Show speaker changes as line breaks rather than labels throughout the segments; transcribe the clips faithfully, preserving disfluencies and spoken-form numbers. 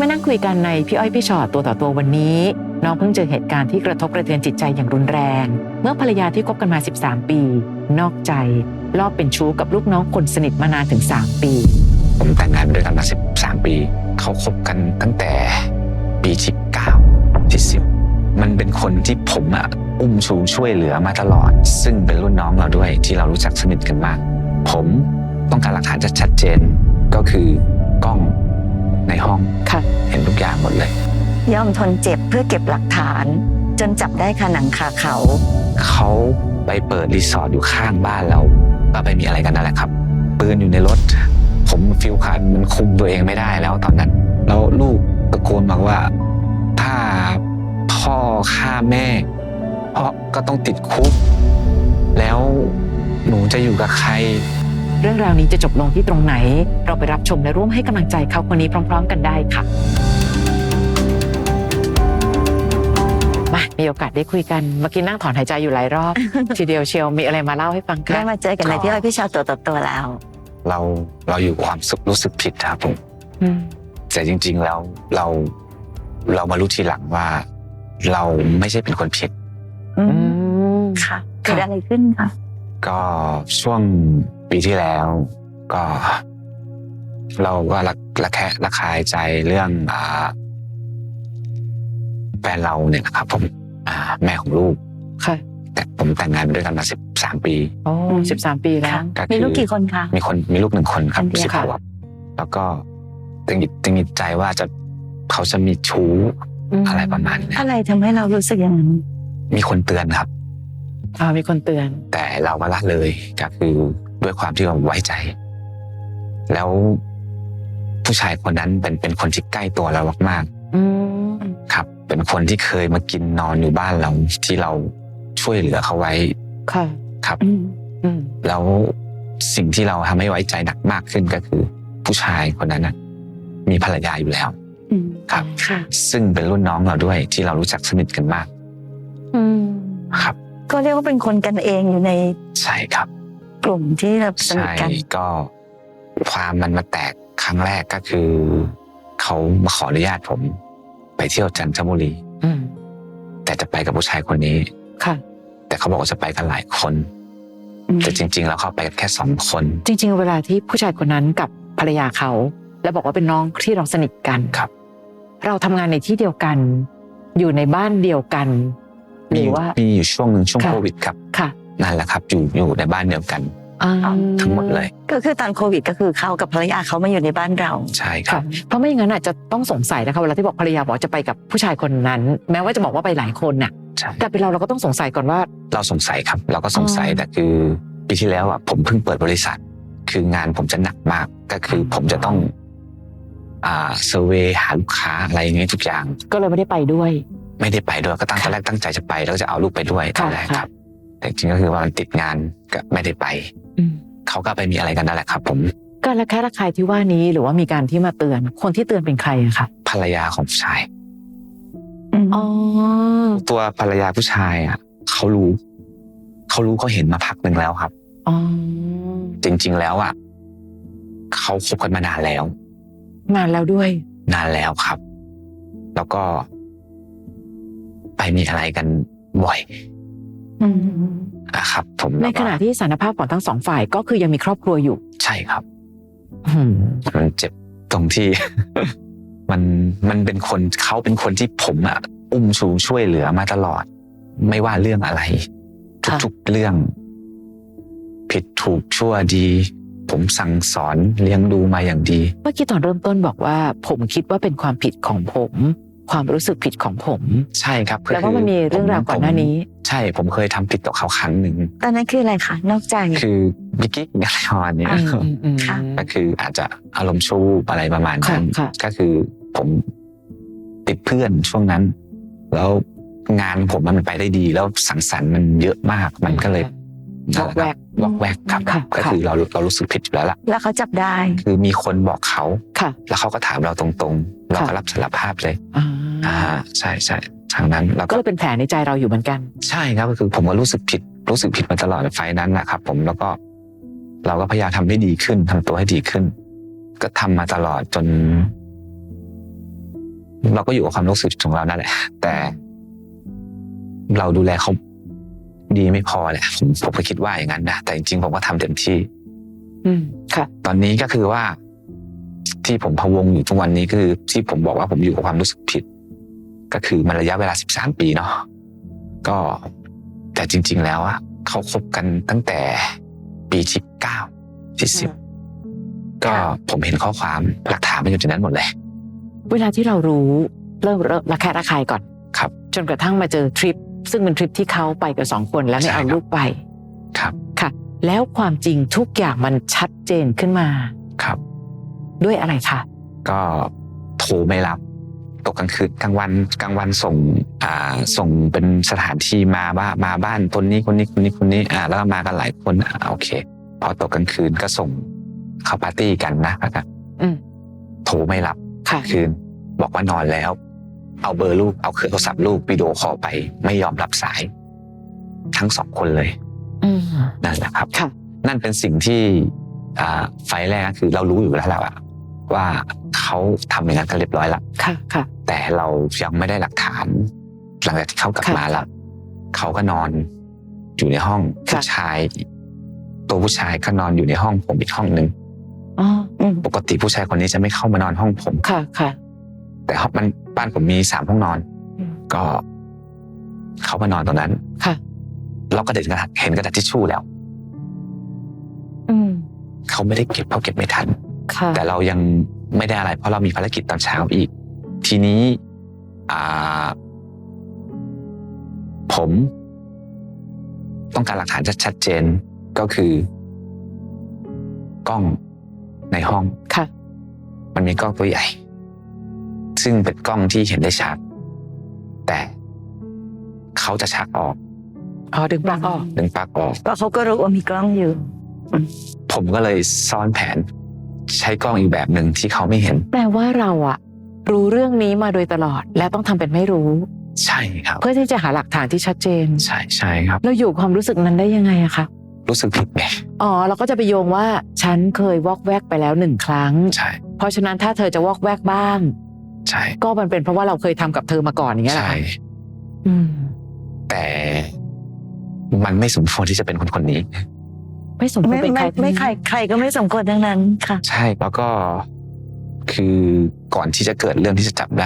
มานั่งคุยกันในพี่อ้อยพี่ชอตตัวต่อตัววันนี้น้องเพิ่งเจอเหตุการณ์ที่กระทบกระเทือนจิตใจอย่างรุนแรงเมื่อภรรยาที่คบกันมาสิบสามปีนอกใจลอบเป็นชู้กับลูกน้องคนสนิทมานานถึงสามปี
ผมแต่งงานด้วยกันมาสิบสามปีเขาคบกันตั้งแต่ปีที่เก้าที่สิบมันเป็นคนที่ผมอะอุ้มชูช่วยเหลือมาตลอดซึ่งเป็นรุ่นน้องเราด้วยที่เรารู้จักสนิทกันมากผมต้องการหลักฐานชัดเจนก็คือกล้องในห้องเห็นทุกอย่างหมดเลย
ยอมทนเจ็บเพื่อเก็บหลักฐานจนจับได้คาหนังคาเขา
เขาไปเปิดรีสอร์ทอยู่ข้างบ้านเราก็ไปมีอะไรกันนั่นแหละครับปืนอยู่ในรถผมฟิลคันมันคุมตัวเองไม่ได้แล้วตอนนั้นแล้วลูกตะโกนบอกว่าถ้าพ่อฆ่าแม่พ่อก็ต้องติดคุกแล้วหนูจะอยู่กับใคร
เรื่องราวนี้จะจบลงที่ตรงไหนเราไปรับชมและร่วมให้กำลังใจเขาคนนี้พร้อมๆกันได้ค่ะมามีโอกาสได้คุยกันเมื่อกี้นั่งถอนหายใจอยู่หลายรอบ ทีเดียวเชียวมีอะไรมาเล่าให้ฟังกัน
ได้มาเจอกันในพี่อ้อยพี่ชอตตัวต่อตัวแล้ว
เราเราอยู่ความสุขรู้สึกผิดครับผมแต่จริงๆแล้วเราเรามารู้ทีหลังว่าเราไม่ใช่เป็นคนผิด
ค่ะเกิดอะไรขึ้นคะ
ก็ช่วงปีที่แล้วก็เราก็ระระแคะระคายใจเรื่องอ่าแฟนเราเนี่ยนะครับผมอ่าแม่ของลูก
ค่ะ
แต่ผมแต่งงานด้วยกันมาสิบสามปี
โอ้สิบสามปีแล้ว
มีลูกกี่คนคะ
มีคนมีลูกหนึ่งคนครับสิบขวบแล้วก็ตึงตึงใจว่าจะเขาจะมีชู้อะไรประมาณนี้
อะไรทำให้เรารู้สึกอย่างนั้น
มีคนเตือนครับ
อ่ามีคนเตือน
แต่เราก็ละเลยก็คือด้วยความที่เราไว้ใจแล้วผู้ชายคนนั้นเป็นเป็นคนที่ใกล้ตัวเรามากๆครับเป็นคนที่เคยมากินนอนอยู่บ้านเราที่เราช่วยเหลือเขาไว้
ค่ะ
ครับแล้วสิ่งที่เราทำให้ไว้ใจหนักมากขึ้นก็คือผู้ชายคนนั้นนะมีภรรยาอยู่แล้วครับซึ่งเป็นรุ่นน้องเราด้วยที่เรารู้จักสนิทกันมากครับ
ก็เรียกว่าเป็นคนกันเองอยู่ใน
ใช่ครับ
กลุ่มที่เราสนิทกัน
ก็ความมันมาแตกครั้งแรกก็คือเขามาขออนุญาตผมไปเที่ยวจันทบุรีแต่จะไปกับผู้ชายคนนี้
ค่ะ
แต่เขาบอกว่าจะไปกันหลายคนแต่จริงๆแล้วเขาไปกันแค่สองคน
จริงๆเวลาที่ผู้ชายคนนั้นกับภรรยาเขาแล้วบอกว่าเป็นน้องที่เราสนิทกัน
ครับ
เราทำงานในที่เดียวกันอยู่ในบ้านเดียวกันหรือว่า
มีอยู่ช่วงหนึ่งช่วงโควิดครับ
ค่ะ
นั่นแหละครับอยู่อยู่ในบ้านเดียวกันทั้งหมดเลย
ก็คือตอนโควิดก็คือเขากับภรรยาเขามาอยู่ในบ้านเรา
ใช่ครับ
เพราะไม่อย่างนั้นอาจจะต้องสงสัยนะคะเวลาที่บอกภรรยาบอกจะไปกับผู้ชายคนนั้นแม้ว่าจะบอกว่าไปหลายคนน่ะแต่เป็นเราเราก็ต้องสงสัยก่อนว่า
เราสงสัยครับเราก็สงสัยแต่คือปีที่แล้วอ่ะผมเพิ่งเปิดบริษัทคืองานผมจะหนักมากก็คือผมจะต้องอ่าเซอร์เวย์หาลูกค้าอะไรอย่างเงี้ยทุกอย่าง
ก็เลยไม่ได้ไปด้วย
ไม่ได้ไปด้วยก็ตั้งตอนแรกตั้งใจจะไปแล้วจะเอาลูกไปด้วยตอนแรกครับแต่จริงก็คือว่ามันติดงานก็ไม่ได้ไปเขาก็ไปมีอะไรกันนั่นแหละครับผม
การระแคะระคายที่ว่านี้หรือว่ามีการที่มาเตือนคนที่เตือนเป็นใครอะคะ
ภรรยาของผู้ชาย
อ๋อ
ตัวภรรยาผู้ชายอ่ะเขารู้เขารู้เขาเห็นมาพักหนึ่งแล้วครับ
อ๋อ
จริงๆแล้วอ่ะเขาคบกันมานานแล้ว
นานแล้วด้วย
นานแล้วครับแล้วก็ไปมีอะไรกันบ่อยนะครับผม
ในขณะที่สารภาพของทั้งสองฝ่ายก็คือยังมีครอบครัวอยู่
ใช่ครับมันเจ็บตรงที่ มันมันเป็นคนเขาเป็นคนที่ผมอ่ะอุ้มชูช่วยเหลือมาตลอดไม่ว่าเรื่องอะไรทุกๆเรื่องผิดถูกชั่วดีผมสั่งสอนเลี้ยงดูมาอย่างดี
เมื่อกี้ตอนเริ่มต้นบอกว่าผมคิดว่าเป็นความผิดของผมความรู้สึกผิดของผม
ใช่ครับ
แล้วว่ามันมีเรื่องราวก่อนหน้านี้
ใช่ผมเคยทำผิดต่อเขาครั้งหนึ่ง
ตอนนั้นคืออะไรคะนอกใจ
คือบิ๊กกิ๊กอะไรประมาณนี้ก็คืออาจจะอารมณ์ชั่วอะไรประมาณนั้นก็คือผมติดเพื่อนช่วงนั้นแล้วงานผมมันไปได้ดีแล้วสังสรรค์มันเยอะมากมันก็เลยว
อกแวก
วอกแวกครับก็คือเราเรารู้สึกผิดอยู่แล้วล่ะ
แล้วเขาจับได้
คือมีคนบอกเขาแล้วเขาก็ถามเราตรงๆเราก็รับสารภาพเลยอ่าใช่ใช่ทางนั้นเรา
ก็เลยเป็นแผลในใจเราอยู่เหมือนกัน
ใช่ครับก็คือผมก็รู้สึกผิดรู้สึกผิดมาตลอดไฟนั้นนะครับผมแล้วก็เราก็พยายามทำให้ดีขึ้นทำตัวให้ดีขึ้นก็ทำมาตลอดจนเราก็อยู่กับความรู้สึกของเรานั่นแหละแต่เราดูแลเขาดีไม่พอแหละผมผมก็คิดว่าอย่างนั้นนะแต่จริงๆผมก็ทำเต็มที่
อืมค่ะ
ตอนนี้ก็คือว่าที่ผมพะวงอยู่ทุกวันนี้คือที่ผมบอกว่าผมอยู่กับความรู้สึกผิดก็คือมันระยะเวลาสิบสามปีเนาะก็แต่จริงๆแล้วอะเขาคบกันตั้งแต่ปีสิบเก้าที่สิบก็ผมเห็นข้อความหลักฐานมันอยู่ในนั้นหมดเลย
เวลาที่เรารู้เริ่มเริ่มระแคะระคายก่อน
ครับ
จนกระทั่งมาเจอทริปซึ่งเป็นทริปที่เขาไปกับสองคนแล้วไม่
ใช่
เอา
ครับ
ลูกไป
ครับ
ค่ะ แล้วความจริงทุกอย่างมันชัดเจนขึ้นมา
ครับ
ด้วยอะไรคะ
ก็โทรไม่รับตกกลางคืนกลางวันกลางวันส่งอ่าส่งเป็นสถานที่มาว่ามาบ้านคนนี้คนนี้คนนี้คนนี้อ่าแล้วก็มากันหลายคนอ่าโอเค พอตกกลางคืนก็ส่งเข้าปาร์ตี้กันนะครับ
อืม
โทรไม่รับ
ค่ะ
คืนบอกว่านอนแล้ว เอาเบอร์ลูกเอาเครื่องโทรศัพท์ลูกวิดีโอคอลไปไม่ยอมรับสาย ทั้งสองคนเลย
อืม
นั่นแหละครับ
ค่ะ
นั่นเป็นสิ่งที่อ่าไฟล์แรกคือเรารู้อยู่แล้วแหละว่าเขาทำอย่างนั้นกันเรียบร้อยแล้ว
ค่ะค่ะ
แต่เรายังไม่ได้หลักฐาน หลังจากที่เขากลับ
ค่ะ
มาแล้วเขาก็นอนอยู่ในห้อง
ค่ะ
ผู้ชาย ตัวผู้ชายก็นอนอยู่ในห้องผมอีกห้องหนึ่ง
อ๋ออืม
ปกติผู้ชายคนนี้จะไม่เข้ามานอนห้องผม
ค่ะค่ะ
แต่ห้องมันบ้านผมมีสามห้องนอน
อืม
ก็เขามานอนตรงนั้น
ค่ะ
เราก็เด็นกระดาษเห็นกระดาษทิชชู่แล้ว
อืม
เขาไม่ได้เก็บเขาเก็บไม่ทัน
ค่ะ
แต่เรายังไม่ได้อะไรเพราะเรามีภารกิจตอนเช้าอีก ทีนี้อ่าผมต้องการหลักฐานชัดเจนก็คือกล้องในห้อง
ค่ะ
มันมีกล้องตัวใหญ่ ซึ่งเป็นกล้องที่เห็นได้ชัดแต่เขาจะชักออก
อ๋อดึงปลั๊กออก
ดึงปลั๊กออก
ก็เขาก็รู้ว่ามีกล้องอยู่
ผมก็เลยซ่อนแผน ใช้กล้องอีกแบบหนึ่งที่เขาไม่เห็น
แปลว่าเราอะรู้เรื่องนี้มาโดยตลอด และต้องทำเป็นไม่รู้
ใช่ครับ
เพื่อที่จะหาหลักฐานที่ชัดเจน
ใช่ใช่ครับ
เราอยู่ความรู้สึกนั้นได้ยังไงอะคะ
รู้สึกผิดไง
อ๋อเราก็จะไปโยงว่าฉันเคยวอกแวกไปแล้วหนึ่งครั้ง
ใช่
เพราะฉะนั้นถ้าเธอจะวอกแวกบ้าง
ใช่
ก็มันเป็นเพราะว่าเราเคยทำกับเธอมาก่อนอย่างเงี้ยเหรอ
ใช่
คะอืม
แต่มันไม่สมควรที่จะเป็นคนคนนี้
ไม่สมควร
ไม่
เป็นใค
ไม่
รทั้ง
ไม่
นั้น
ใครใครก็ไม่สมควรทั้งนั้นค่ะ
ใช่แล้วก็คือก่อนที่จะเกิดเรื่องที่จะจับได้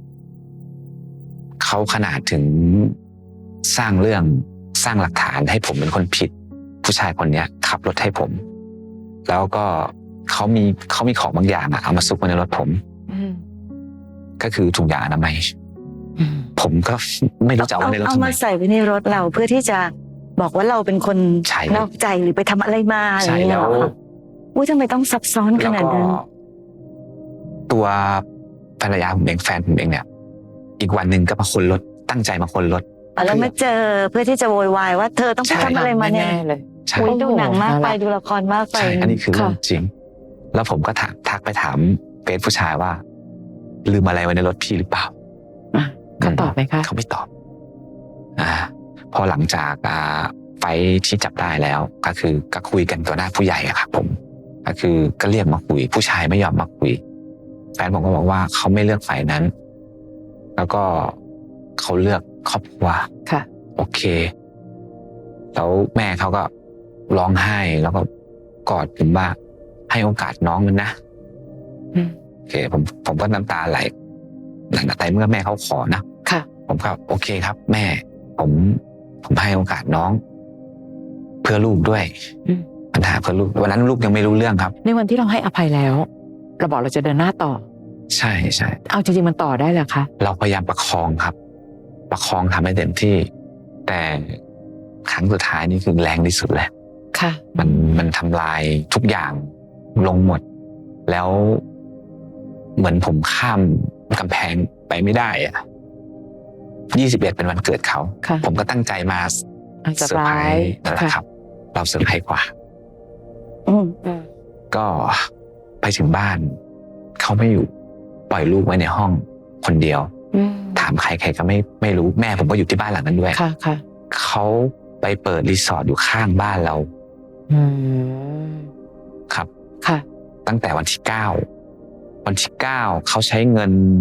เขาขนาดถึงสร้างเรื่องสร้างหลักฐานให้ผมเป็นคนผิด ผู้ชายคนเนี้ยขับรถให้ผม แล้วก็เขามีเขามีของบางอย่างอะเอามาซุกไว้ในรถผม
อืม
ก็คือถุงยางอนามัย
อืม
ผมก็ไม่รู้จะเอา
เอา
ไว้ในรถ
เอา
ทำไม
มาใส่ไว้ในรถเราเพื่อที่จะบอกว่าเราเป็นคน
ใช่
นอกใจหรือไปทำอะไรมาอะไร
ใช่
อย่างเงี้
แล้
ยว เหรอคะอุ้ยทำไมต้องซับซ้อนข
แล้ว
นาด
ก็
นั้น
ตัวภรรยาผมเองแฟนผมเองเนี่ย อีกวันหนึ่งก็มาคนรถตั้งใจมาคนรถ
อ๋อแล้วมาเจอเพื่อที่จะโวยวายว่าเธอต้องไป
ใช่
ทำอะไรมาเนี่ย
แน่ๆเลย
ใช่
อุ้ยดูหนังมากไป
โอ้โห
ดูละครมากไป
ใช่อันนี้คือเรื่อง
ค่ะ
จริง แล้วผมก็ถามทักไปถามเฟซผู้ชายว่า ลืมอะไรไว้ในรถพี่หรือเปล่า
อ่ะเขาตอบไหมคะ
เขาไม่ตอบ อ่า พอหลังจากอ่าไฟที่จับได้แล้ว ก็คือก็คุยกันต่อหน้าผู้ใหญ่อะครับผม ก็คือก็เรียกมาคุย ผู้ชายไม่ยอมมาคุย แฟนผมก็บอกว่าเขาไม่เลือกฝ่ายนั้น แล้วก็เขาเลือกครอบครัว
ค่ะ
โอเค แล้วแม่เขาก็ร้องไห้แล้วก็กอดผมว่าให้โอกาสน้องมันนะ
อืม
โอเค ผมผมก็น้ำตาไหลหลังจากแต่เมื่อแม่เขาขอนะ
ค่ะ
ผมก็โอเคครับ แม่ ผมผมให้โอกาสน้อง เพื่อลูกด้วย
อืม
ปัญหาเพื่อลูกวันนั้นลูกยังไม่รู้เรื่องครับ
ในวันที่เราให้อภัยแล้ว เราบอกเราจะเดินหน้าต่อ
ใช่ใช่
เอาจริงๆมันต่อได้เหรอคะ
เราพยายามประคองครับ ประคองทำให้เต็มที่ แต่ครั้งสุดท้ายนี่คือแรงที่สุดแหละ
ค่ะ
มันมันทำลายทุกอย่างลงหมด แล้วเหมือนผมข้ามกำแพงไปไม่ได้อะยี่สิบเอ็ดเป็นวันเกิดเขา
ค่ะ
ผมก็ตั้งใจมา
อ่ะ
เซอร์ไพรส์
เซอร์ไพรส์
นั่นแหละ
ค่ะ
ครับ เราเซอร์ไพรส์กว่า
อืม
อืม
ก็ไปถึงบ้าน เขาไม่อยู่ปล่อยลูกไว้ในห้องคนเดียว
อืม
ถามใครใครก็ไม่ไม่รู้แม่ผมก็อยู่ที่บ้านหลังนั้นด้วย
ค่ะค่ะ
เขาไปเปิดรีสอร์ทอยู่ข้างบ้านเรา
อืม
ครับ
ค่ะ
ตั้งแต่วันที่เก้าวันที่เก้าเขาใช้เงินท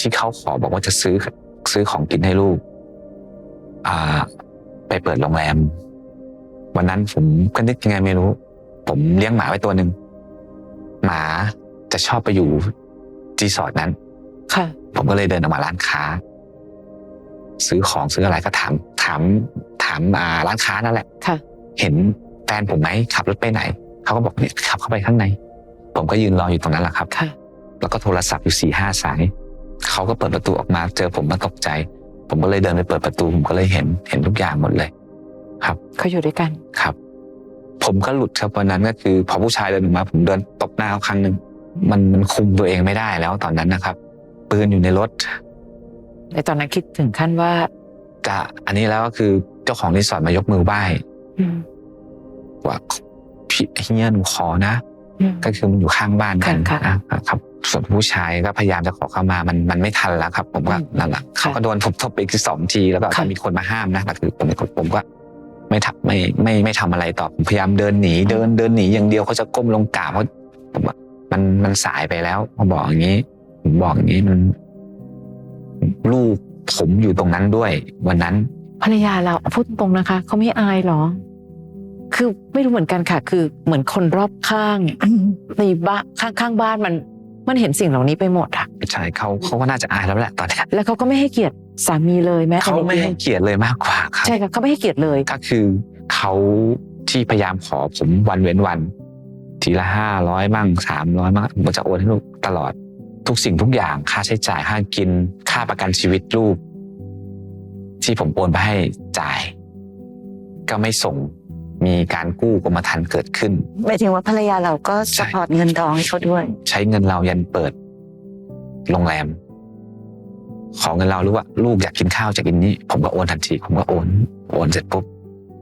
ที่เขาขอบอกว่าจะซื้อซื้อของกินให้ลูกอ่าไปเปิดโรงแรมวันนั้นผมก็นึกยังไงไม่รู้ผมเลี้ยงหมาไว้ตัวหนึ่งหมาจะชอบไปอยู่รีสอร์ทนั้น
ค่ะ
ผมก็เลยเดินออกมาร้านค้าซื้อของซื้ออะไรก็ถามถามถามอ่าร้านค้านั่นแหละ
ค่ะ
เห็นแฟนผมไหมขับรถไปไหนเขาก็บอกเนี่ยขับเข้าไปข้างในผมก็ยืนรออยู่ตรงนั้นแหละครับ
ค่ะ
แล้วก็โทรศัพท์อยู่สี่ห้าสายเขาก็เปิดประตูออกมาเจอผมมาตกใจผมก็เลยเดินไปเปิดประตูผมก็เลยเห็นเห็นทุกอย่างหมดเลยครับ
เขาอยู่ด้วยกัน
ครับผมก็หลุดครับวันนั้นก็คือพอผู้ชายเดินออกมาผมเดินตบหน้าเขาครั้งหนึ่งมันมันคุมตัวเองไม่ได้แล้วตอนนั้นนะครับปืนอยู่ในรถ
ในตอนนั้นคิดถึงขั้นว่า
จะอันนี้แล้วก็คือเจ้าของรีสอร์ทมายกมือไหว้ว่าพี่เฮียหนูขอนะก็คือมันอยู่ข้างบ้านกันนะครับส่วนผู้ชายก็พยายามจะขอเข้ามามันมันไม่ทันแล้วครับผมก็นั่นแหละเขาก็โดนทุบทบไปอีกสองทีแล้วก็มีคนมาห้ามนะแต่คือผมผมก็ไม่ทำไม่ไม่ไม่ทำอะไรต่อผมพยายามเดินหนีเดินเดินหนีอย่างเดียวเขาจะก้มลงกราบเพราะผมว่ามันมันสายไปแล้วผมบอกอย่างนี้ผมบอกอย่างนี้มันลูกผมอยู่ตรงนั้นด้วยวันนั้น
ภรรยาเราพูดตรงนะคะเขาไม่อายหรอคือไม่รู้เหมือนกันค่ะคือเหมือนคนรอบข้างในบ้านข้างข้างบ้านมันมันเห็นสิ่งเหล่านี้ไปหมดอะ
ใช่เขาเขาก็น่าจะอายแล้วแหละตอนนี้
แล้วเขาก็ไม่ให้เกียรติสามีเลยแม้
เขาไม่ให้เกียรติเลยมากกว่าครับ
ใช่ค่ะเขาไม่ให้เกียรติเลย
ก็คือเขาที่พยายามขอผมวันเว้นวันทีละห้าร้อยมั่งสามร้อยมั่งผมจะโอนให้ลูกตลอดทุกสิ่งทุกอย่างค่าใช้จ่ายค่ากินค่าประกันชีวิตลูกที่ผมโอนไปให้จ่ายก็ไม่ส่งมีการกู้กรมธรรม์เกิดขึ้น
หมายถึงว่าภรรยาเราก็สปอร์ตเงินทองให้เขาด้วย
ใช้เงินเรายันเปิดโรงแรมขอเงินเราหรือว่าลูกอยากกินข้าวจะกินนี้ผมก็โอนทันทีผมก็โอนโอนเสร็จปุ๊บ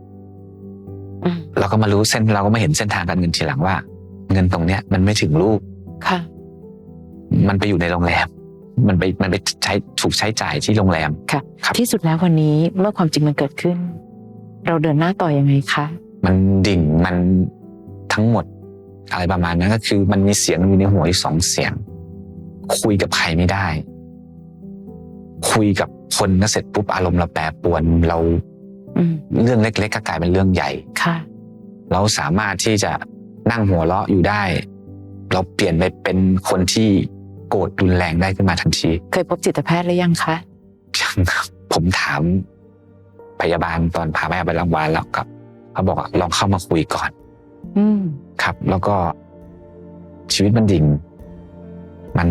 เราก็มารู้เส้นเราก็มาเห็นเส้นทางการเงินทีหลังว่าเงินตรงเนี้ยมันไม่ถึงลูก
ค่ะ
มันไปอยู่ในโรงแรมมันไปมันไปใช้ถูกใช้จ่ายที่โรงแรม
ค่ะที่สุดแล้ววันนี้เมื่อความจริงมันเกิดขึ้นเราเดินหน้าต่อยังไงคะ
มันดิ่งมันทั้งหมดอะไรประมาณนั้นก็คือมันมีเสียงอยู่ในหัวอีกสองเสียงคุยกับใครไม่ได้คุยกับคนก็เสร็จปุ๊บอารมณ์เราแปรปรวนเราเรื่องเล็กๆก็กลายเป็นเรื่องใหญ่
ค่ะ
เราสามารถที่จะนั่งหัวเราะอยู่ได้เราเปลี่ยนไปเป็นคนที่โกรธรุนแรงได้ขึ้นมาทันที
เคยพบจิตแพทย์หรือยังคะ
ยังครับผมถามพยาบาลตอนพาแม่ไปโรงพยาบาลแล้วกับเขาบอกลองเข้ามาคุยก่อน
อืม
ครับแล้วก็ชีวิตมันดิ่งมัน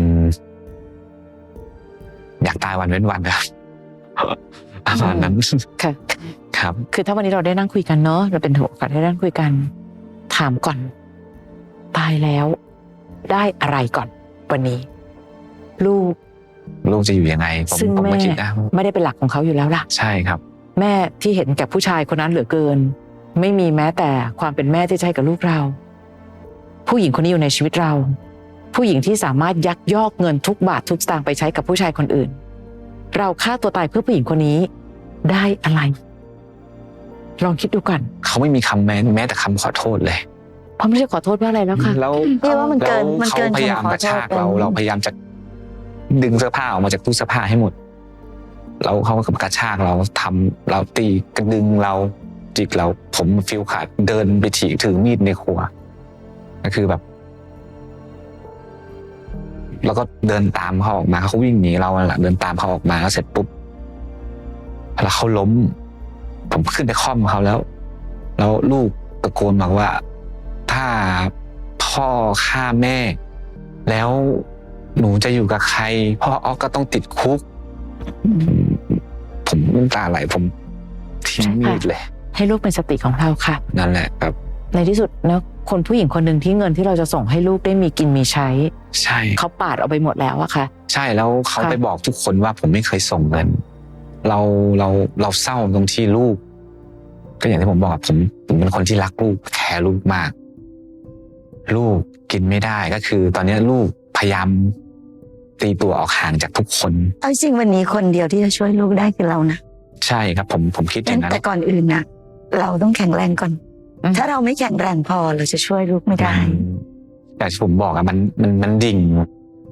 อยากตายวันเว้นวันครับประมาณนั้น
ค่ะ
ครับ
คือถ้าวันนี้เราได้นั่งคุยกันเนาะเราเป็นโอกาสได้นั่งคุยกันถามก่อนตายแล้วได้อะไรก่อนวันนี้ลูก
ลูกจะอยู่ยังไง
ซึ่งแม่ไม่ได้เป็นหลักของเขาอยู่แล้วล่ะ
ใช่ครับ
แม่ที่เห็นแก่ผู้ชายคนนั้นเหลือเกินไม่มีแม้แต่ความเป็นแม่ที่ใช่กับลูกเราผู้หญิงคนนี้อยู่ในชีวิตเราผู้หญิงที่สามารถยักยอกเงินทุกบาททุกสตางค์ไปใช้กับผู้ชายคนอื่นเราฆ่าตัวตายเพื่อผู้หญิงคนนี้ได้อะไรลองคิดดูก่อน
เขาไม่มีคำแม้แม้แต่คำขอโทษเลย
เพราะไม่ใช่ขอโทษว่าอะไรแล้วค่ะ
แล้ว
เรียกว่ามันเกินมันเกิน
พยายามกระชากเราเราพยายามจะดึงเสื้อผ้าออกมาจากตู้เสื้อผ้าให้หมดแล้วเขาก็กระชากเราทำเราตีกระดึงเราจิกเราผมฟิลขาดเดินไปถีถือมีดในครัวก็คือแบบแล้วก็เดินตามเขาออกมาเขาวิ่งหนีเราแหละเดินตามเขาออกมาแล้วเสร็จปุ๊บแล้วเขาล้มผมขึ้นไปค่อมเขาแล้วแล้วลูกตะโกนบอกว่าถ้าพ่อฆ่าแม่แล้วหนูจะอยู่กับใครพ่ออ๊อกก็ต้องติดคุกผมน้ำตาไหลผมทิ้งมีดเลย
ให้ลูกเป็นสติของเราค่ะ
นั่นแหละครับ
ในที่สุดนะคนผู้หญิงคนหนึ่งที่เงินที่เราจะส่งให้ลูกได้มีกินมีใช้
ใช่
เขาปาดเอาไปหมดแล้วอะค่ะ
ใช่แล้วเขาไปบอกทุกคนว่าผมไม่เคยส่งเงินเราเราเราเศร้าตรงที่ลูกก็อย่างที่ผมบอกผมผมเป็นคนที่รักลูกแคร์ลูกมากลูกกินไม่ได้ก็คือตอนนี้ลูกพยายามตีตัวออกห่างจากทุกคน
เอาจริงวันนี้คนเดียวที่จะช่วยลูกได้คือเรานะ
ใช่ครับผมผมคิดอย่างนั้น
แต่ก่อนอื่นนะเราต้องแข็งแรงก่อนถ้าเราไม่แข็งแรงพอเราจะช่วยลูกไม่ได้
แต่ที่ผมบอกอะมันมันมันดิ่ง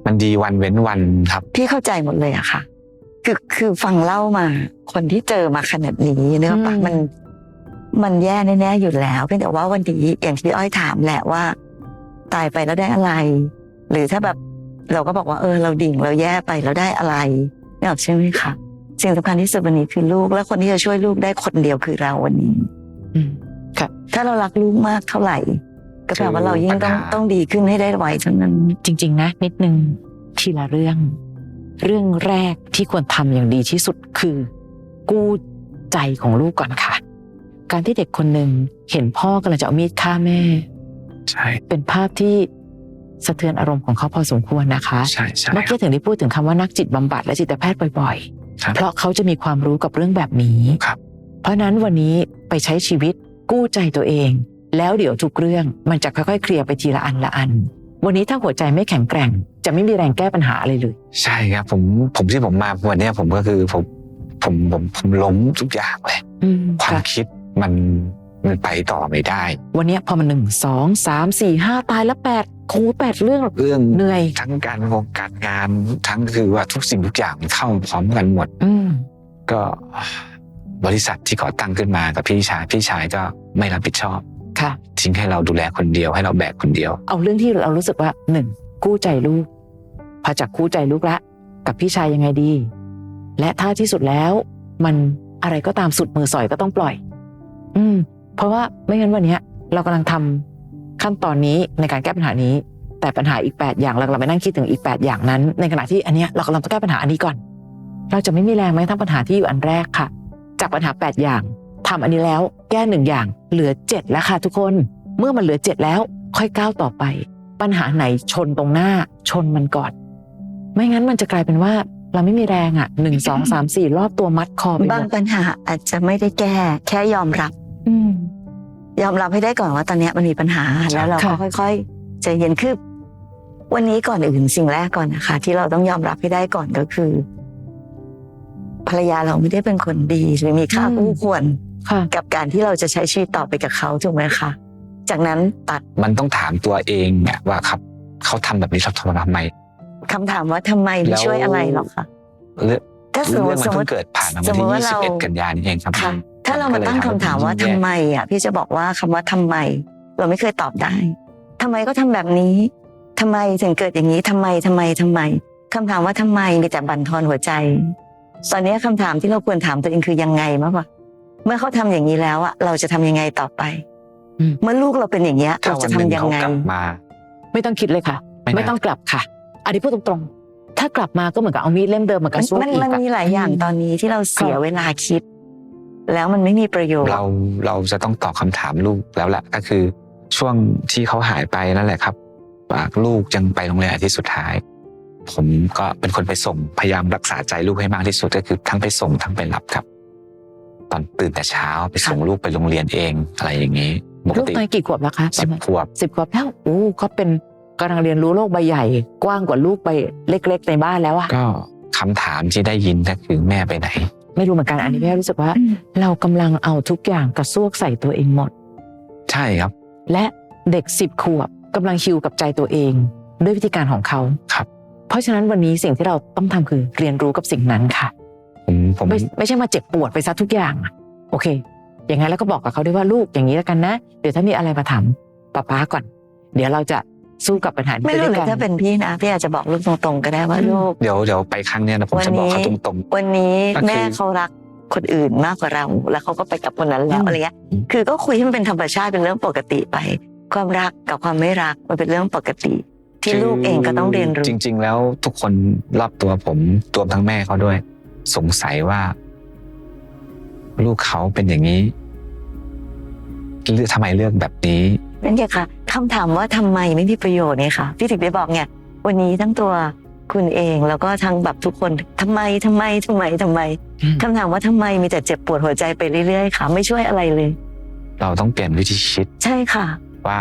มันดีวันเว้นวันครับ
พี่เข้าใจหมดเลยอะค่ะ คือคือฟังเล่ามาคนที่เจอมาขนาดนี้เนอะปะ
อืม
มันมันแย่แน่ๆอยู่แล้วเพียงแต่ว่าวันนี้อย่างที่พี่อ้อยถามแหละว่า ตายไปแล้วได้อะไร หรือถ้าแบบเราก็บอกว่าเออเราดิ่งเราแย่ไปแล้วได้อะไรนี่ออกใช่ไหมคะสิ่งสำคัญที่สุดวันนี้คือลูกและคนที่จะช่วยลูกได้คนเดียวคือเราวันนี้
อืมค่ะ
ถ้าเรารักลูกมากเท่าไหร่ ก็แปลว่าเรายิ่งต้อง
ปัญหา
ต้องดีขึ้นให้ได้ไวเท่านั้น
จริง ๆ นะ นิดนึงทีละเรื่อง เรื่องแรกที่ควรทำอย่างดีที่สุดคือ กู้ใจของลูกก่อนค่ะ การที่เด็กคนหนึ่งเห็นพ่อกำลังจะเอามีดฆ่าแม่
ใช่
เป็นภาพที่สะเทือนอารมณ์ของเขาพอสมควรนะคะ
ใช่ใช่
เมื่อ
ครั
กี้
บ
ถึงได้พูดถึงคำว่านักจิตบำบัดและจิตแพทย์บ่อย
ครับ
ๆ เพราะเขาจะมีความรู้กับเรื่องแบบนี้
ครับ
เพราะนั้นวันนี้ไปใช้ชีวิตกู้ใจตัวเอง แล้วเดี๋ยวทุกเรื่องมันจะค่อยๆเคลียร์ไปทีละอันละอัน วันนี้ถ้าหัวใจไม่แข็งแกร่ง จะไม่มีแรงแก้ปัญหาอะไรเลย
ใช่ครับผมผมที่ผมมาวันเนี้ยผมก็คือผมผมผมผมล้มทุกอย่างเลย
อืม
ความ
ค่ะ
คิดมันมันไปต่อไม่ได้
วันนี้พอมันหนึ่งสองสามสี่ห้าตายแล้วแปดโคูแปดเรื่อง
เรื่อง
เหนื่อย
ทั้งการงงการงานทั้งคือว่าทุกสิ่งทุกอย่างมันเข้าพร้อมกันหมด
อืม
ก็บริษัทที่ก่อตั้งขึ้นมากับพี่ชายพี่ชายก็ไม่รับผิดชอบ
ค่ะ
ทิ้งให้เราดูแลคนเดียวให้เราแบกคนเดียว
เอาเรื่องที่เรารู้สึกว่าหนึ่งกู้ใจลูกพอจากกู้ใจลูกละกับพี่ชายยังไงดี และถ้าที่สุดแล้วมันอะไรก็ตามสุดมือสอยก็ต้องปล่อย อืม เพราะว่าไม่งั้นวันเนี้ยเรากำลังทำขั้นตอนนี้ในการแก้ปัญหานี้ แต่ปัญหาอีกแปดอย่างเรากำลังไปนั่งคิดถึงอีกแปดอย่างนั้น ในขณะที่อันเนี้ยเรากำลังต้องแก้ปัญหาอันนี้ก่อน เราจะไม่มีแรงแม้ทั้งปัญหาที่อยู่อันแรกค่ะ จากปัญหาแปดอย่างทำอันนี้แล้วแก้หนึ่งอย่างเหลือเจ็ดแล้วค่ะทุกคนเมื่อมันเหลือเจ็ดแล้วค่อยก้าวต่อไป ปัญหาไหนชนตรงหน้าชนมันก่อน ไม่งั้นมันจะกลายเป็นว่าเราไม่มีแรงอ่ะหนึ่งสองสามสี่รอบตัวมัดคอไปห
บาง
มด
ปัญหาอาจจะไม่ได้แก้ แค่ยอมรับ
อืม
ยอมรับให้ได้ก่อนว่าตอนเนี้ยมันมีปัญหาแล้วเราก็
ค่ะ
ค่อยๆใจเย็นคือวันนี้ก่อนอื่นสิ่งแรกก่อนนะคะ ที่เราต้องยอมรับให้ได้ก่อนก็คือ ภรรยาเราไม่ได้เป็นคนดีหรือมีค่าคู่ควร
ค่ะ
กับการที่เราจะใช้ชีวิตต่อไปกับเขาถูกไหมคะจากนั้นตัด
มันต้องถามตัวเองอะว่าครับเขาทำแบบนี้เขาทำทำไม
คำถามว่าทำไมไม่ช่วยอะไรหรอกคะ
เรื่อง
ถ้าสมม
เรื่อ
ติ
งมัน
สมม
เพิ่
ติ
งเกิดผ่านมา
ส
วัน
มม
ที่
ติว่า
ยี่สิบเอ็ด
เรา
กันยายนนี้เองครับ
ค่ะ ถ้าเรามาตั้งคำถามว่าทำไมอ่ะพี่จะบอกว่าคำว่าทำไม เราไม่เคยตอบได้ทำไมก็ทำแบบนี้ทำไมถึงเกิดอย่างนี้ทำไมทำไมทำไมคำถามว่าทำไมมีแต่บั่นทอนหัวใจตอนนี้คำถามที่เราควรถามตัวเองคือยังไงมากกว่าเมื่อเขาทำอย่างนี้แล้วอ่ะเราจะทำยังไงต่อไป
อืม
เมื่อลูกเราเป็นอย่างเงี้ย
ถ้า
เรา
วั
จะ
น
ทำ
หนึ่ง
ยัง
เขา
ไง
กลับมา
ไม่ต้องคิดเลยค่ะ
ไม่น่า
ไม่ต้องกลับค่ะอันนี้พูดตรงๆถ้ากลับมาก็เหมือนกับเอามีดเล่มเดิมมากระซวก
มัน
อีก
มัน
อะ
มีหลายอย่างตอนนี้ที่เราเสียเวลาคิด แล้วมันไม่มีประโยชน์
เราเราจะต้องตอบคำถามลูกแล้วแหละก็คือช่วงที่เขาหายไปนั่นแหละครับว่าลูกยังไปโรงเรียนอาทิตย์สุดท้าย ผมก็เป็นคนไปส่งพยายามรักษาใจลูกให้มากที่สุดก็คือทั้งไปส่งทั้งไปรับครับ ตอนตื่นแต่เช้าไปส่งลูกไปโรงเรียนเองอะไรอย่างนี้ปก
ลูก
ติ
ตอนกี่ขวบแล้วคะ
สิบขวบ
สิบขวบแล้วโอ้ก็เป็นกำลังเรียนรู้โลกใบใหญ่ กว้างกว่าลูกใบเล็กๆในบ้านแล้วอะ
ก็คำถามที่ได้ยินก็คือแม่ไปไหน
ไม่รู้เหมือนกันอันนี้พี่รู้สึกว่า เรากำลังเอาทุกอย่างกระซวกใส่ตัวเองหมด
ใช่ครับ
และเด็กสิบขวบกำลังฮิวกับใจตัวเอง ด้วยวิธีการของเขา
ครับ
เพราะฉะนั้นวันนี้สิ่งที่เราต้องทำคือเรียนรู้กับสิ่งนั้นค่ะ
ผมผม
ไม่ไม่ใช่มาเจ็บปวดไปซะทุกอย่างอะโอเค อย่างนั้นแล้วก็บอกกับเขาด้วยว่าลูกอย่างนี้แล้วกันนะ เดี๋ยวถ้ามีอะไรมาถามป้าป๊าก่อน เดี๋ยวเราจะสู้กับปัญหานี้
ไม่
ไป
รู้
ด้วย
เลย
กัน
ถ้าเป็นพี่นะพี่อาจจะบอกลูกตรงๆก็ได้ว่า
อืม
ลูก
เดี๋ยวเดี๋ยวไปครั้งเนี้ยนะผมจะบอกเขาตรง
วันนี้
ก็คือ
แม่เขารักคนอื่นมากกว่าเรา แล้วเขาก็ไปกับคนนั้นแล้ว
อืม
อะไรเงี้ยคือก็คุยให้มันเป็นธรรมชาติเป็นเรื่องปกติไป ความรักกับความไม่รักมันเป็นเรื่องปกติ
ๆ
ที่ลูกเองก็ต้องเรียนรู้
จริง ๆ แล้วทุกคนรอบตัวผมตัวทั้งแม่เขาด้วย สงสัยว่า ลูกเขาเป็นอย่างนี้เลือกทำไมเลือกแบบนี้
นั่นไงค่ะคำถามว่าทำไมไม่มีประโยชน์เนี่ยค่ะพี่ถึงได้บอกไงวันนี้ทั้งตัวคุณเองแล้วก็ทั้งแบบทุกคนทำไมทำไมทำไมทำไม
อืม
คำถามว่าทำไมมีแต่เจ็บปวดหัวใจไปเรื่อยๆค่ะ ไม่ช่วยอะไรเลย
เราต้องเปลี่ยนวิธีคิด
ใช่ค่ะ
ว่า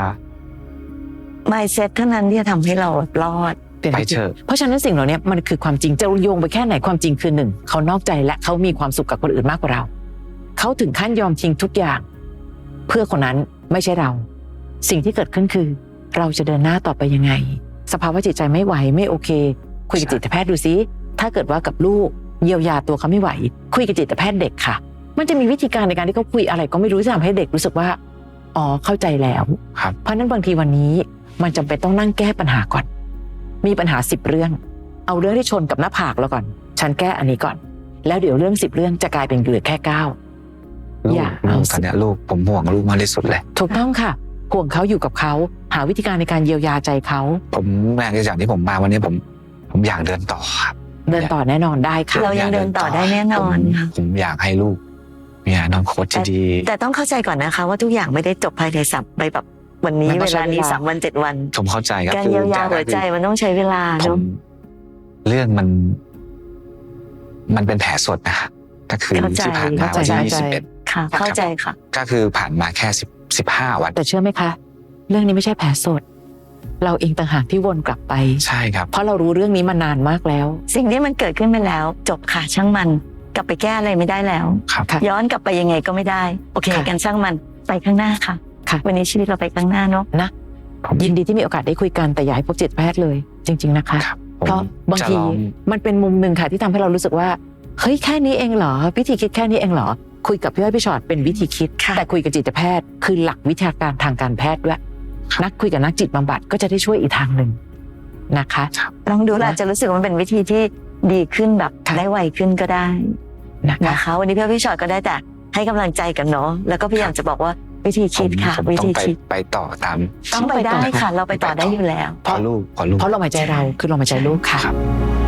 mindset เท่านั้นที่จะทำให้เรารอด
เปลี่ยน
ไป
วิธี
เถอะ
เพราะฉะนั้นสิ่งเหล่านี้มันคือความจริงจะโยงไปแค่ไหนความจริงคือหนึ่งเขานอกใจและเขามีความสุขกับคนอื่นมากกว่าเราเขาถึงขั้นยอมทิ้งทุกอย่าง เพื่อคนนั้นไม่ใช่เรา สิ่งที่เกิดขึ้นคือ เราจะเดินหน้าต่อไปยังไงสภาวะจิตใจไม่ไหวไม่โอเค คุยกับจิตแพทย์ดูซิถ้าเกิดว่ากับลูกเยียวยาตัวเขาไม่ไหวคุยกับจิตแพทย์เด็กค่ะมันจะมีวิธีการในการที่เขาคุยอะไรก็ไม่รู้ที่ทำให้เด็กรู้สึกว่าอ๋อเข้าใจแล้ว
ครับ
เพราะนั้นบางทีวันนี้มันจำเป็นต้องนั่งแก้ปัญหาก่อนมีปัญหาสิบเรื่องเอาเรื่องที่ชนกับหน้าผากแล้วก่อนฉันแก้อันนี้ก่อนแล้วเดี๋ยวเรื่องสิบเรื่องจะกลายเป็นเหลือแค่เก้า
ลูก
อย่า
ลู
เอา
กตอนเนี้ยลูกผมห่วงลูกมากที่สุดเลย
ถูกต้องค่ะห่วงเขาอยู่กับเขาหาวิธีการในการเยียวยาใจเขา
ผมแม่จากที่ผมมาวันนี้ผมผมอยากเดินต่อครับ
เดินต่อแน่นอนได้ค่ะ
เรายังเดินต่อได้แน่นอน
ผม
ค่ะ
ผมอยากให้ลูกมีอนาคตที่ดี
แต่ต้องเข้าใจก่อนนะคะว่าทุกอย่างไม่ได้จบภายในสัปไปแบบวันนี้
มันต้
เว
องใช้
ลานี้
เวลา
สามวันเจ็ดวัน
ผมเข้าใจครับ
การเยียวยาหัวใจมันต้องใช้เวลา
ผ
เนาะ
มเรื่องมัน มันเป็นแผลสดนะก็คือ
เข้าใจ
ที่ผ่านมา
เข้าใจ
วันที่ยี่สิบเอ็ด
ค่ะ เข้าใจค่ะ
ก็คือผ่านมาแค่สิบสิบห้าวัน
แต่เชื่อไหมคะ เรื่องนี้ไม่ใช่แผลสด เราเองต่างหากที่วนกลับไป
ใช่ครับ
เพราะเรารู้เรื่องนี้มานานมากแล้ว
สิ่งที่มันเกิดขึ้นไปแล้ว จบค่ะช่างมันกลับไปแก้อะไรไม่ได้แล้ว
ครับ
ค่ะ
ย้อนกลับไปยังไงก็ไม่ได้ โอเค
ค่ะ
กันช่างมันไปข้างหน้าค่ะ
ค่ะ
วันนี้ชีวิตเราไปข้างหน้าเนาะ
นะยินดีที่มีโอกาสได้คุยกันแต่อย่าให้พบจิตแพทย์เลย จริง ๆนะคะ
ครับ
เพราะบาง
จะ
ที
ลอง
มันเป็นมุมหนึ่งค่ะที่ทำให้เรารู้สึกว่าเฮ้ยแค่นี้เองเหรอวิธีคิดแค่นี้เองเหรอคุยกับพี่อ้อยพี่ชอตเป็นวิธีคิด
ค่ะ
แต่คุยกับจิตแพทย์คือหลักวิทยาการทางการแพทย์ด้วยนักคุยกับนักจิตบำบัดก็จะได้ช่วยอีกทางหนึ่งนะคะ
ลองดูแล้วอาจจะรู้สึกว่ามันเป็นวิธีที่ดีขึ้นแบบ
ค่ะ
ได้ไวขึ้นก็ได้
นะคะ
นะคะ วันนี้พี่อ้อยพี่ชอตก็ได้แต่ให้กำลังใจกันเนาะแล้วก็พยายามจะบอกว่าวิธีคิดค่ะ
ผม
วิ
ต้อ
ธี
งไป
คิด
ไปต่อตาม
ต้องไปได้ค่ะ เราไปต่อได้อยู่แล้ว
เพราะลูกเพราะลูก
เพราะลมหายใจเราคือลมหายใจลูกค่ะ
ครับ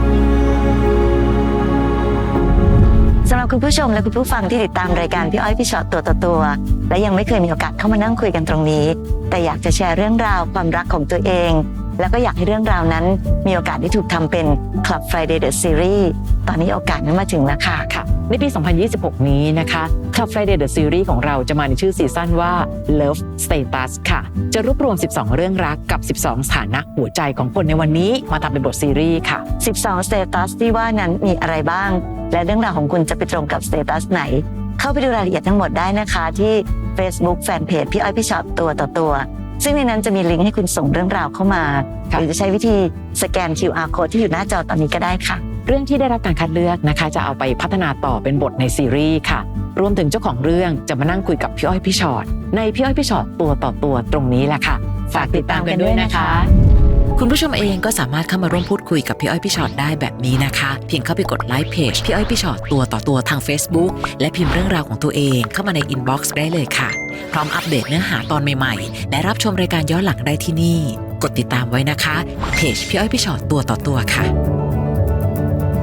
สำหรับคุณผู้ชมและคุณผู้ฟังที่ติดตามรายการพี่อ้อยพี่ชอตตัวต่อตัวและยังไม่เคยมีโอกาสเข้ามานั่งคุยกันตรงนี้ แต่อยากจะแชร์เรื่องราวความรักของตัวเอง แล้วก็อยากให้เรื่องราวนั้นมีโอกาสได้ถูกทำเป็น Club Friday The Series ตอนนี้โอกาสนั้นมาถึงแล้วค่ะ
ค่ะในปี สองพันยี่สิบหก นี้นะคะ Club Friday The Series ของเราจะมาในชื่อซีซั่นว่า Love Status ค่ะ จะรวบรวม สิบสอง เรื่องรักกับ สิบสอง สถานะหัวใจของคนในวันนี้มาทำเป็นบทซีรีส์ค่ะ
สิบสอง Status ที่ว่านั้นมีอะไรบ้าง และเรื่องราวของคุณจะไปตรงกับ Status ไหน เข้าไปดูรายละเอียดทั้งหมดได้นะคะที่ Facebook Fanpage พี่อ้อยพี่ชอตตัวต่อตัวซึ่งในนั้นจะมีลิงก์ให้คุณส่งเรื่องราวเข้ามา
ค่ะ
หรือจะใช้วิธีสแกน คิว อาร์ Code ที่อยู่หน้าจอตอนนี้ก็ได้ค่ะ
เรื่องที่ได้รับการคัดเลือกนะคะจะเอาไปพัฒนาต่อเป็นบทในซีรีส์ค่ะ รวมถึงเจ้าของเรื่องจะมานั่งคุยกับพี่อ้อยพี่ชอตในพี่อ้อยพี่ชอตตัวต่อตัวตรงนี้แหละค่ะฝากติดตามกันด้วยนะคะ
คุณผู้ชมเองก็สามารถเข้ามาร่วมพูดคุยกับพี่อ้อยพี่ชอตได้แบบนี้นะคะ เพียงเข้าไปกดไลค์เพจพี่อ้อยพี่ชอตตัวต่อตัวทาง Facebook และพิมพ์เรื่องราวของตัวเองเข้ามาในอินบ็อกซ์ได้เลยค่ะ พร้อมอัปเดตเนื้อหาตอนใหม่ๆ และรับชมรายการย้อนหลังได้ที่นี่ กดติดตามไว้นะคะเพจพี่อ้อยพี่ชอตตัวต่อตัวค่ะ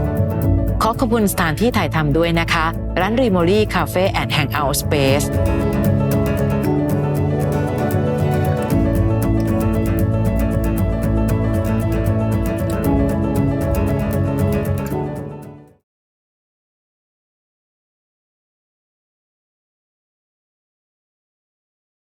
ขอขอบคุณสถานที่ถ่ายทำด้วยนะคะ ร้านรีโมลี่คาเฟ่แอนด์แฮงเอาท์สเปซ